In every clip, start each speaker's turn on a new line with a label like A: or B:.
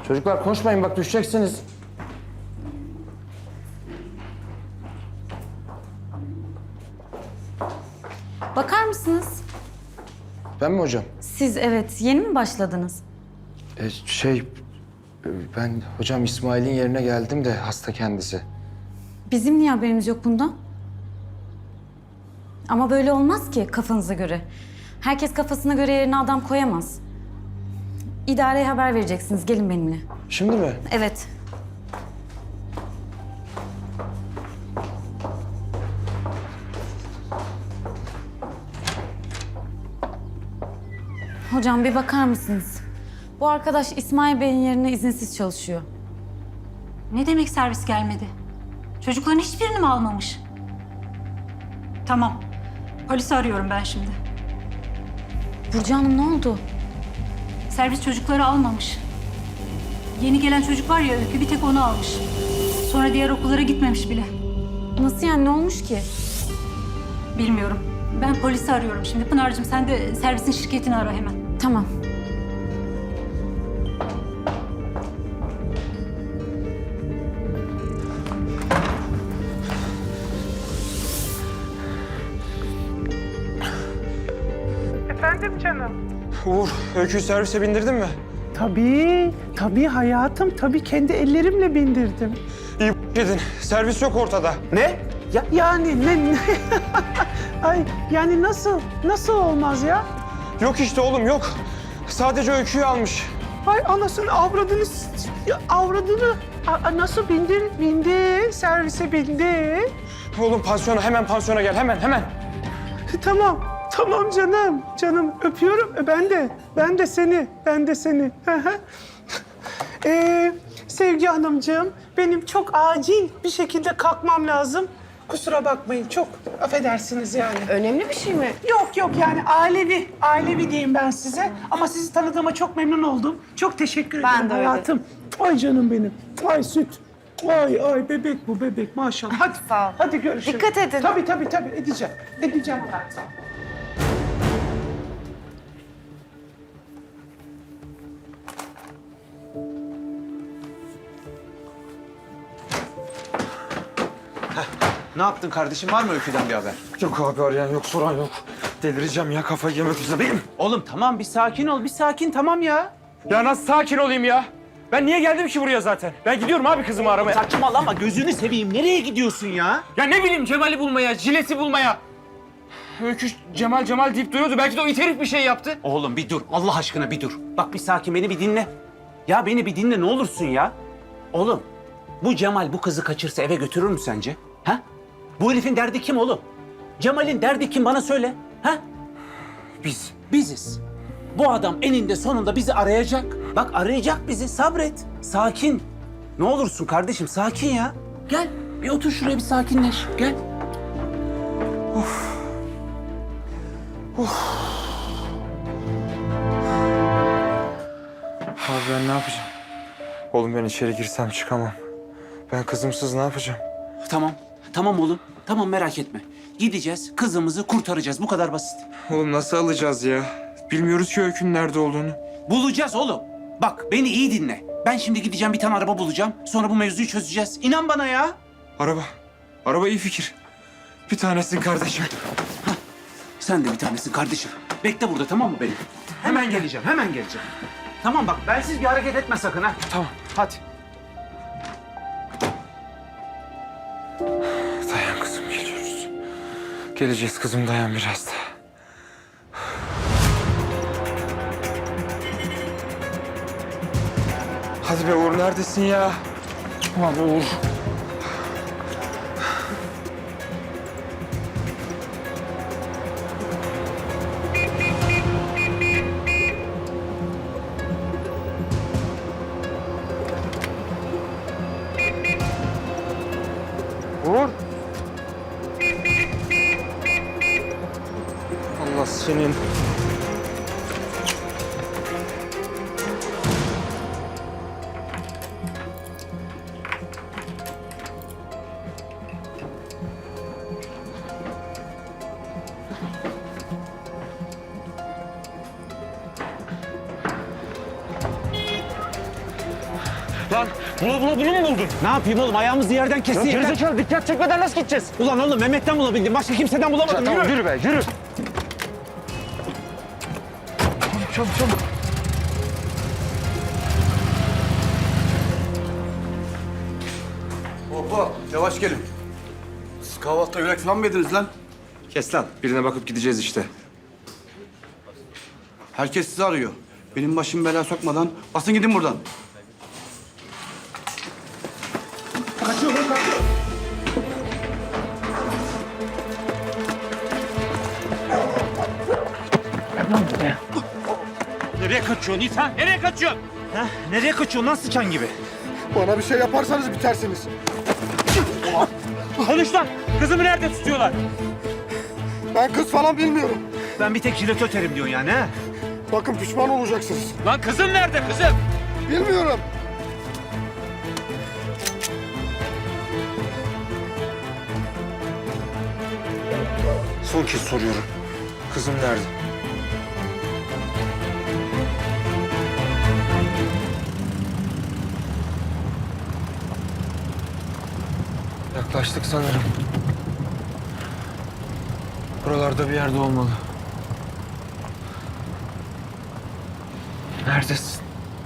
A: Çocuklar koşmayın bak düşeceksiniz.
B: Bakar mısınız?
A: Ben mi hocam?
B: Siz evet, yeni mi başladınız?
A: Ben hocam İsmail'in yerine geldim de hasta kendisi.
B: Bizim niye haberimiz yok bundan? Ama böyle olmaz ki kafanıza göre. Herkes kafasına göre yerine adam koyamaz. İdareye haber vereceksiniz, gelin benimle.
A: Şimdi mi?
B: Evet. Hocam bir bakar mısınız? Bu arkadaş İsmail Bey'in yerine izinsiz çalışıyor.
C: Ne demek servis gelmedi? Çocukların hiçbirini mi almamış? Tamam. Polisi arıyorum ben şimdi.
B: Burcu Hanım ne oldu?
C: Servis çocukları almamış. Yeni gelen çocuk var ya Öykü, bir tek onu almış. Sonra diğer okullara gitmemiş bile.
B: Nasıl yani, ne olmuş ki?
C: Bilmiyorum. Ben polisi arıyorum şimdi. Pınar'cığım sen de servisin şirketini ara hemen.
B: Tamam.
D: Efendim canım?
A: Uğur, Öykü'yü servise bindirdin mi?
D: Tabii hayatım. Tabii kendi ellerimle bindirdim.
A: İyi dedin. Servis yok ortada.
D: Ne? Yani ne? Ay yani nasıl olmaz ya?
A: Yok işte oğlum yok. Sadece Öykü'yü almış.
D: Ay anasını avradını nasıl bindi servise bindi.
A: Oğlum pansiyona hemen pansiyona gel hemen.
D: Tamam canım öpüyorum. Ben de seni. Hı hı. Sevgi Hanımcığım, benim çok acil bir şekilde kalkmam lazım. Kusura bakmayın, çok affedersiniz yani.
E: Önemli bir şey mi?
D: Yok yani ailevi diyeyim ben size. Ama sizi tanıdığıma çok memnun oldum. Çok teşekkür
E: Ben
D: ederim
E: de öyle.
D: hayatım. Ay canım benim, ay süt. Ay bebek bu bebek maşallah. Hadi,
E: Sağ ol.
D: hadi görüşürüz.
E: Dikkat edin.
D: Tabii edeceğim hayatım.
F: Ne yaptın kardeşim? Var mı Öykü'den bir haber?
A: Yok abi arayan yok soran yok. Delireceğim ya kafayı yemek üzereyim.
F: Oğlum tamam bir sakin ol. Bir sakin tamam ya.
A: Ya nasıl sakin olayım ya? Ben niye geldim ki buraya zaten? Ben gidiyorum abi kızımı aramaya.
F: Saçmalama gözünü seveyim. Nereye gidiyorsun ya?
A: Ya ne bileyim Cemal'i bulmaya, Jilet'i bulmaya. Öykü Cemal deyip duruyordu. Belki de o it herif bir şey yaptı.
F: Oğlum bir dur. Allah aşkına bir dur. Bak bir sakin beni bir dinle. Ya beni bir dinle ne olursun ya. Oğlum bu Cemal bu kızı kaçırsa eve götürür mü sence? Ha? Bu herifin derdi kim oğlum? Cemal'in derdi kim bana söyle. Ha? Biziz. Bu adam eninde sonunda bizi arayacak. Bak arayacak bizi. Sabret. Sakin. Ne olursun kardeşim sakin ya. Gel bir otur şuraya bir sakinleş. Gel.
A: Abi ben ne yapacağım? Oğlum ben içeri girsem çıkamam. Ben kızımsız ne yapacağım?
F: Tamam. Tamam oğlum. Tamam merak etme. Gideceğiz kızımızı kurtaracağız. Bu kadar basit.
A: Oğlum nasıl alacağız ya? Bilmiyoruz ki Öykü'nün nerede olduğunu.
F: Bulacağız oğlum. Bak beni iyi dinle. Ben şimdi gideceğim bir tane araba bulacağım. Sonra bu mevzuyu çözeceğiz. İnan bana ya.
A: Araba iyi fikir. Bir tanesin kardeşim.
F: Sen de bir tanesin kardeşim. Bekle burada tamam mı benim? Hemen geleceğim. Tamam bak bensiz bir hareket etme sakın ha.
A: Tamam.
F: Hadi.
A: Dayan kızım geliyoruz. Geleceğiz kızım dayan biraz da. Hadi be Uğur neredesin ya? Abi Uğur. Uğur. Allah senin. Lan bula bula bunu mu buldun?
F: Ne yapayım oğlum? Ayağımızı yerden kesti. yeter.
A: Gerizekalı dikkat çekmeden nasıl gideceğiz?
F: Ulan oğlum Mehmet'ten bulabildim. Başka kimseden bulamadım.
A: Tamam
F: Yürü.
A: yürü be yürü. Çabuk çabuk.
E: Hoppa, yavaş gelin. Siz kahvaltıda yürek falan mı yediniz lan?
A: Kes lan. Birine bakıp gideceğiz işte.
E: Herkes sizi arıyor. Benim başımı belaya sokmadan basın gidin buradan. Kaçıyor lan, kaçıyor.
F: Nereye kaçıyorsun İsa? Nereye kaçıyorsun? Ha? Nereye kaçıyorsun lan sıçan gibi?
E: Bana bir şey yaparsanız bitersiniz.
F: Konuş lan! Kızımı nerede tutuyorlar?
E: Ben kız falan bilmiyorum.
F: Ben bir tek jilet öterim diyorsun yani ha?
E: Bakın pişman olacaksınız.
A: Lan kızım nerede kızım?
E: Bilmiyorum.
A: Son kez soruyorum. Kızım nerede? Yaklaştık sanırım. Buralarda bir yerde olmalı. Neredesin?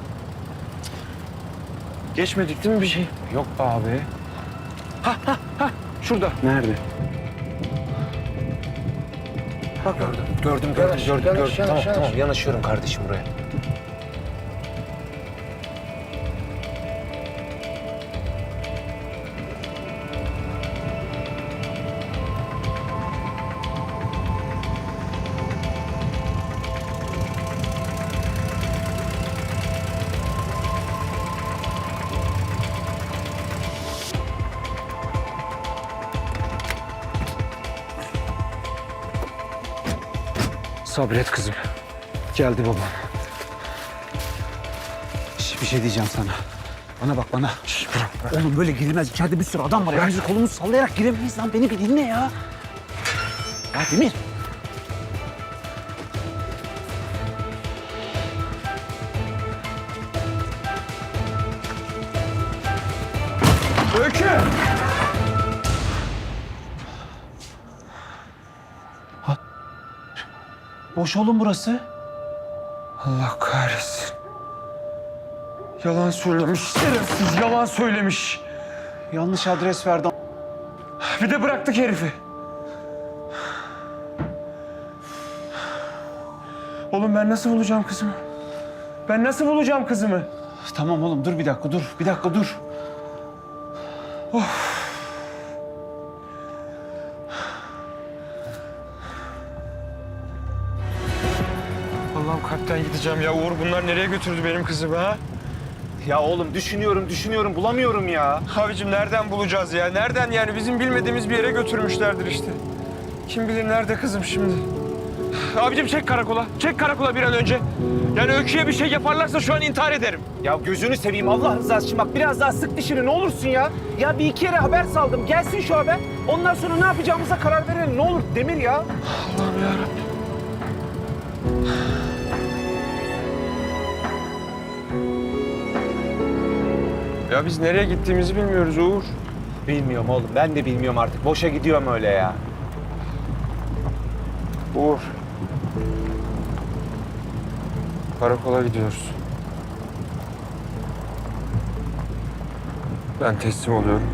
A: Geçmedik değil mi bir şey? Yok be abi. Şurada.
F: Nerede?
A: Bak gördüm. Tamam yanaşıyorum kardeşim buraya. Sabret kızım. Geldi babam.
F: Bir şey diyeceğim sana. Bana bak bana. Bırak. Oğlum böyle girilmez. İçeride bir sürü adam var. Ya. Bizi kolumuzu sallayarak giremeyiz lan. Beni bir dinle ya. Ya Demir.
A: Öykü!
F: Boş oğlum burası.
A: Allah kahretsin. Yalan söylemiş. Şerefsiz yalan söylemiş.
F: Yanlış adres verdi.
A: Bir de bıraktık herifi. Oğlum ben nasıl bulacağım kızımı? Ben nasıl bulacağım kızımı?
F: Tamam oğlum dur bir dakika dur. Bir dakika dur.
A: Allah'ım kalpten gideceğim ya. Uğur bunlar nereye götürdü benim kızımı ha?
F: Ya oğlum düşünüyorum bulamıyorum ya.
A: Abicim nereden bulacağız ya? Nereden yani? Bizim bilmediğimiz bir yere götürmüşlerdir işte. Kim bilir nerede kızım şimdi? Abicim çek karakola. Çek karakola bir an önce. Yani Öykü'ye bir şey yaparlarsa şu an intihar ederim.
F: Ya gözünü seveyim Allah rızası için bak biraz daha sık dişini ne olursun ya. Ya bir iki yere haber saldım. Gelsin şu haber. Ondan sonra ne yapacağımıza karar verelim. Ne olur Demir ya.
A: Allah'ım yarabbim. Ya biz nereye gittiğimizi bilmiyoruz Uğur.
F: Bilmiyorum oğlum. Ben de bilmiyorum artık. Boşa gidiyorum öyle ya.
A: Uğur. Karakola gidiyoruz. Ben teslim oluyorum.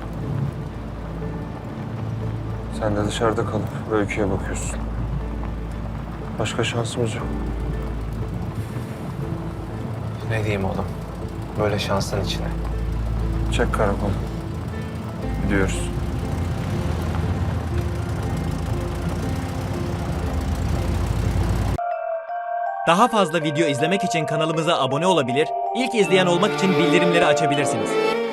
A: Sen de dışarıda kalıp Öykü'ye bakıyorsun. Başka şansımız yok.
G: Ne diyeyim oğlum? Böyle şansın içine.
A: Çek karakolu. Gidiyoruz.
H: Daha fazla video izlemek için kanalımıza abone olabilir, ilk izleyen olmak için bildirimleri açabilirsiniz.